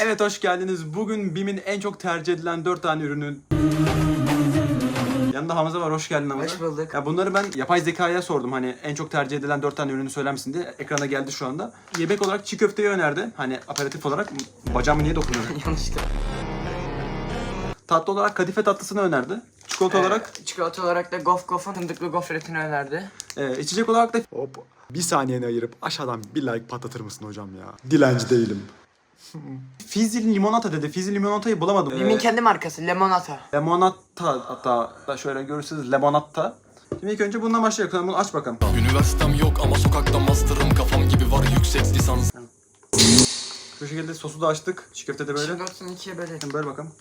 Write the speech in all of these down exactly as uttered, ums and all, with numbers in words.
Evet, hoş geldiniz. Bugün BİM'in en çok tercih edilen dört tane ürünün... Yanında Hamza var, hoş geldin Hamza. Hoş bulduk. Ya bunları ben yapay zekaya sordum, hani en çok tercih edilen dört tane ürünü söyler misin diye. Ekrana geldi şu anda. Yemek olarak çiğ köfteyi önerdi. Hani aperatif olarak bacağımı niye dokunuyor? Yanlışlıkla. Tatlı olarak kadife tatlısını önerdi. Çikolata Ee, olarak... Çikolata olarak da Gof Gof'un fındıklı gofretini önerdi. E, içecek olarak da... Hop. Bir saniyeni ayırıp aşağıdan bir like patlatır mısın hocam ya? Dilenci değilim. Fizzy limonata dedi. Fizzy limonatayı bulamadım. BİM'in Ee, kendi markası Lemonata. Lemonata, hatta şöyle görürsünüz, lemonata. Şimdi ilk önce bundan başlayalım. Bunu aç bakalım. Üniversitem yok ama sokakta master'ım, kafam gibi var yüksek lisans. Şu şekilde sosu da açtık. Çiğ köfte de böyle. Şimdi olsun ikiye bölelim. Şimdi böyle bakalım.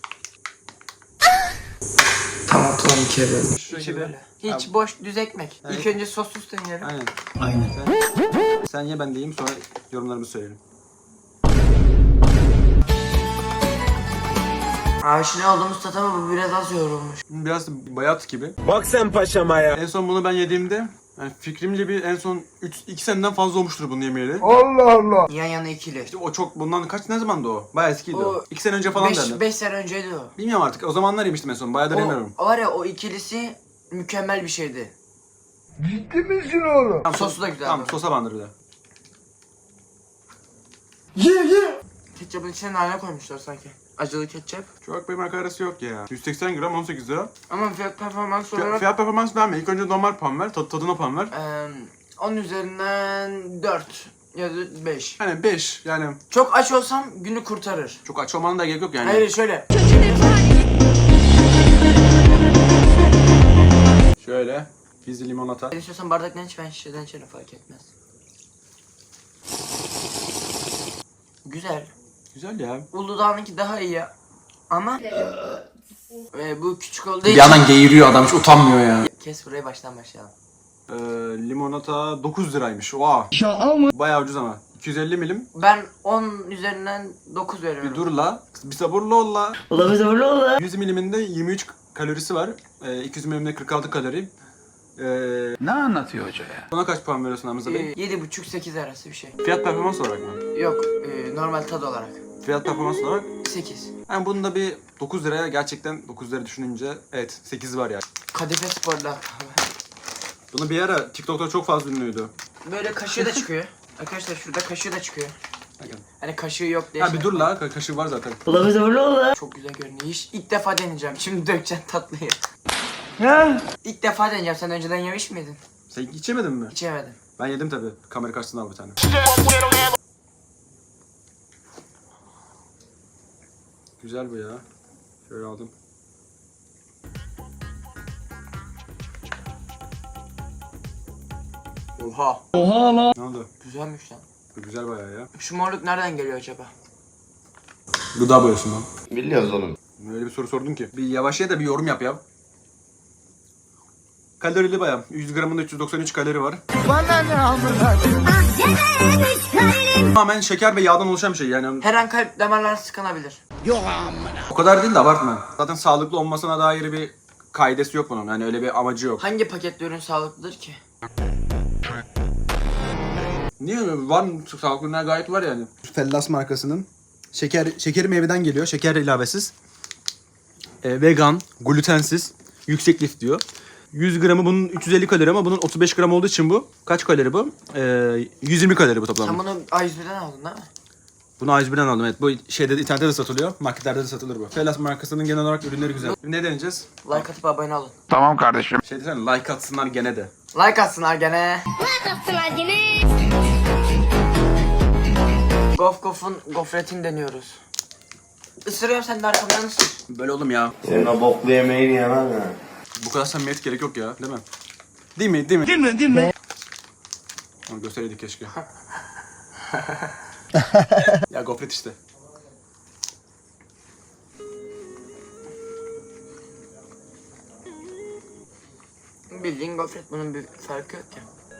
Tamam tamam ikiye bölelim. Şu İki şekilde. böyle. Hiç Abi. boş düz ekmek. Evet. İlk önce sossuz deneyelim. Aynen. Aynen. Sen, sen ye, ben de yiyeyim, sonra yorumlarımı söyleyelim. Abi şimdi aldığımız tat ama bu biraz az yoğrulmuş. Biraz bayat gibi. Bak sen paşama ya. En son bunu ben yediğimde, yani fikrimce bir en son üç iki seneden fazla olmuştur bunu yemeyeli. Allah Allah. Yan yana ikili. İşte o çok, bundan kaç, ne zamandı o? Bayağı eskiydi o. O iki sene önce falan derdi. beş sene önceydi o. Bilmiyorum artık, o zamanlar yemiştim en son, bayağıdır yemiyorum. O var ya, o ikilisi mükemmel bir şeydi. Ciddi misin oğlum? Tamam, Sosu da güzeldi. Tamam, sosa bandır bir de. Ye ye. Ketçapın içine nane koymuşlar sanki. Acılı ketçap. Çok bir marka arası yok ya. yüz seksen gram on sekiz lira. Ama fiyat performans Fiyat, olarak fiyat performans verme. İlk önce normal puan ver. Tad, tadına puan ver. Eee on üzerinden dört ya da beş. Yani beş. Yani Çok aç olsam günü kurtarır. çok aç olmanın da gerek yok yani. Hayır şöyle. Şöyle. Fizzy limonata. Ben istiyorsan bardaktan iç, ben şişeden içerim, fark etmez. Güzel. Güzel ya. Uludağ'ınki daha iyi ya. Ama ee, bu küçük olduğu Bir için... yandan geğiriyor adam, hiç utanmıyor ya. Kes burayı, baştan başlayalım. Ee, limonata dokuz liraymış. Oha. Bayağı ucuz ama. iki yüz elli milim. Ben on üzerinden dokuz veriyorum. Bir dur la. Bir sabırlı ol la. Ula bir sabırlı ol la. yüz miliminde yirmi üç kalorisi var. Ee, iki yüz milimde kırk altı kalori. Ee, Ne anlatıyor hoca ya? Buna kaç puan veriyorsun Hamza Bey? Ee, yedi buçuk sekiz arası bir şey. Fiyat performans olarak mı? Yok, ee, normal tad olarak. Fiyat performans olarak. sekiz. Yani bunun da bir dokuz liraya, gerçekten dokuz lira düşününce evet sekiz var yani. Kadife Spor'da. Bunu bir ara TikTok'ta çok fazla ünlüydü. Böyle kaşığı da çıkıyor. Arkadaşlar şurada kaşığı da çıkıyor. Bakın. Hani kaşığı yok diye. Ha bir dur la, ka- kaşığı var zaten. Çok güzel görünüyor. Hiç, ilk defa deneyeceğim. Şimdi dökeceğim tatlıyı. İlk defa deneyeceğim. Sen önceden yemiş miydin? Sen içemedin mi? Hiç yemedim. Ben yedim tabi. Kamera karşısında al bir tane. Güzel bu ya. Şöyle aldım. Oha. Ne oldu? Güzelmiş lan. Bu güzel bayağı ya. Şu morluk nereden geliyor acaba? Gıda boyası lan. Biliyoruz oğlum. Öyle bir soru sordun ki. Bir yavaş ye de bir yorum yap ya. Kalorili bayağı. yüz gramında üç yüz doksan üç kalori var. Bana ne amına? Tamamen şeker ve yağdan oluşan bir şey yani. Her an kalp damarları tıkanabilir. O kadar değil de abartma. Zaten sağlıklı olmasına dair bir kaidesi yok bunun. Yani öyle bir amacı yok. Hangi paketli ürün sağlıklıdır ki? Niye öyle? Var mı? Sağlıklı ürünler gayet var yani. Fellas markasının şeker şekeri meyveden geliyor. Şeker ilavesiz. E, vegan, glutensiz, yüksek lif diyor. yüz gramı bunun üç yüz elli kalori ama bunun otuz beş gram olduğu için bu. Kaç kalori bu? E, yüz yirmi kalori bu toplam. Sen bunu A yüz birden aldın değil mi? Bunu A yüz birden aldım, evet. Bu şeyde de, internette de satılıyor. Marketlerde de satılır bu. Fellas markasının genel olarak ürünleri güzel. Ne deneyeceğiz? Like atıp abone olun. Tamam kardeşim. Şey desene, like atsınlar gene de. Like atsınlar gene. Gof Gof'un gofretini deniyoruz. Isırıyorum, sen de arkamdan ısır. Böyle oğlum ya. Senin o boklu yemeğini yemem ya. Bu kadar samimiyet gerek yok ya, değil mi? Değil mi? Değil mi? Değil mi değil mi? Onu göstereydik keşke. Ya gofret işte. Bildiğin gofret, bunun bir farkı yok ki.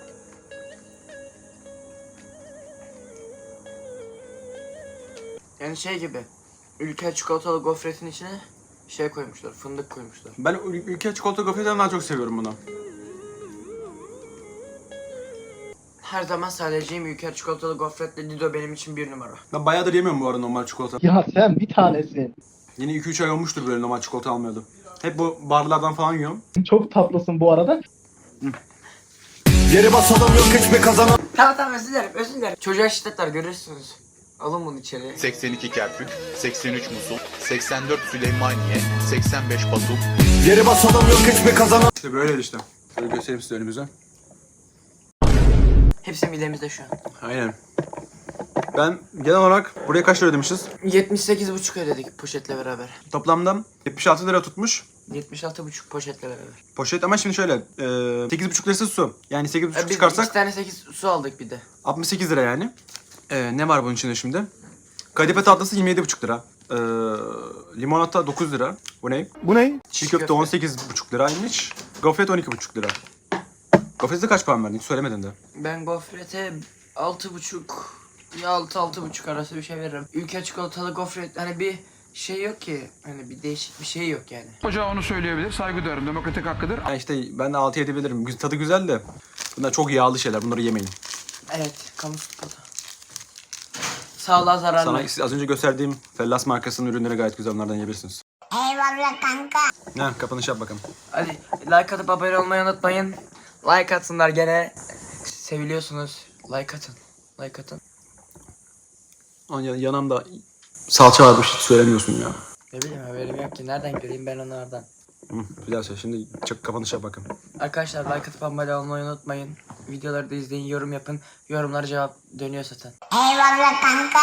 Yani şey gibi, ülke çikolatalı gofretin içine şey koymuşlar, fındık koymuşlar. Ben ül- ülke çikolata gofretten daha çok seviyorum bunu. her zaman söyleyeceğim Ülker çikolatalı gofretle Dido benim için bir numara. Ben bayağıdır yemiyorum bu arada normal çikolata. Ya sen bir tanesin. Yine iki üç ay olmuştur böyle normal çikolata almıyordum. Hep bu barlardan falan yiyorum. Çok tatlısın bu arada. Geri basalım yok hiçbir kazanan. Tamam tamam özür dilerim özür dilerim. Çocuğa şiddetler görürsünüz. Alın bunu içeri. seksen iki Kerkük, seksen üç Musul, seksen dört Süleymaniye, seksen beş Batum, Geri basalım yok hiçbir kazanan. İşte böyle işte. Şöyle göstereyim size önümüze. Hepsi midemizde şu an. Aynen. Ben genel olarak buraya kaç lira ödemişiz? yetmiş sekiz buçuk ödedik poşetle beraber. Toplamda yetmiş altı lira tutmuş. yetmiş altı buçuk poşetle beraber. Poşet ama şimdi şöyle e, sekiz buçuk lirası su. Yani sekiz buçuk Ee, biz çıkarsak iki tane sekiz su aldık bir de. altmış sekiz lira yani. E, ne var bunun içinde şimdi? Kadife tatlısı yirmi yedi buçuk lira. E, limonata dokuz lira. Bu ne? Bu ne? Çiğ köfte on sekiz buçuk liraymış. Gofret on iki buçuk lira. Gofrete kaç puan verdin? Hiç söylemedin de. Ben gofrete altı buçuk ya altı altı buçuk arası bir şey veririm. Ülke çikolatalı gofret hani bir şey yok ki. Hani bir değişik bir şey yok yani. Hoca onu söyleyebilir. Saygı duyarım. Demokratik hakkıdır. Yani işte ben de altı yedi bilirim. Güz- Tadı güzel de. Bunlar çok yağlı şeyler. Bunları yemeyin. Evet kamu spotu. Sağlığa zararlı. Sana az önce gösterdiğim Fellas markasının ürünleri gayet güzel. Onlardan yiyebilirsiniz. Eyvallah kanka. Ha, kapanış yap bakalım. Hadi like atıp abone olmayı unutmayın. Like atsınlar gene. Seviliyorsunuz. Like atın. Like atın. Onun yan- yanımda salça varmış. Hiç söylemiyorsun ya. Ne bileyim haberim yok ki. Nereden göreyim ben onlardan. Hı, güzel şey. Şimdi çık kapanış yap bakalım. Arkadaşlar like atıp abone olmayı unutmayın. Videoları da izleyin, yorum yapın. Yorumlara cevap dönüyor zaten. Eyvallah kanka.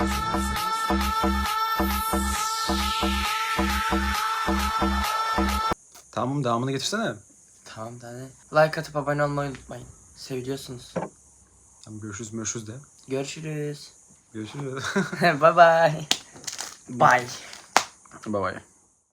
Tamam devamını getirsene. Tamam tane. Like atıp abone olmayı unutmayın. Seviliyorsunuz. Tamam görüşürüz görüşürüz de. Görüşürüz. Görüşürüz. Bye bye. Bye. Bye bye.